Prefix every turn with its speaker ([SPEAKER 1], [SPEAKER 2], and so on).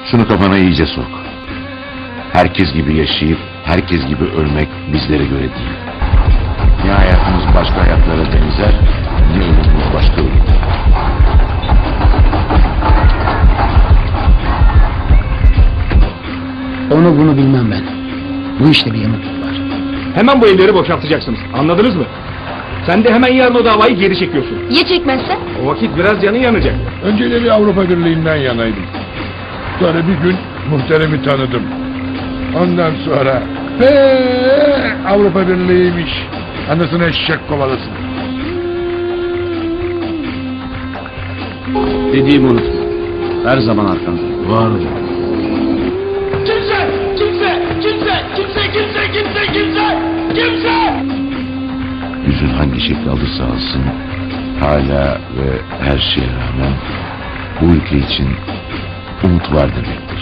[SPEAKER 1] Şunu kafana iyice sok. Herkes gibi yaşayıp herkes gibi ölmek bizlere göre değil. Ne hayatımız başka hayatlara benzer, ne ölümümüz başka ölüm.
[SPEAKER 2] Onu bunu bilmem ben. Bu işte bir yamukluk var.
[SPEAKER 3] Hemen bu evleri boşaltacaksınız. Anladınız mı? Sen de hemen yarın o davayı geri çekiyorsun.
[SPEAKER 4] Ya çekmezsen?
[SPEAKER 3] O vakit biraz canın yanacak.
[SPEAKER 5] Önceleri Avrupa Birliği'nden yanaydım. Sonra bir gün muhteremi tanıdım. Ondan sonra Avrupa Birliği'ymiş. Anasını eşek kovalasın.
[SPEAKER 6] Dediğimi unutma. Her zaman arkandayım.
[SPEAKER 1] Var olun.
[SPEAKER 5] Kimse!
[SPEAKER 1] Yüzün hangi şekli alırsa alsın, hala ve her şeye rağmen bu ülke için umut var demektir.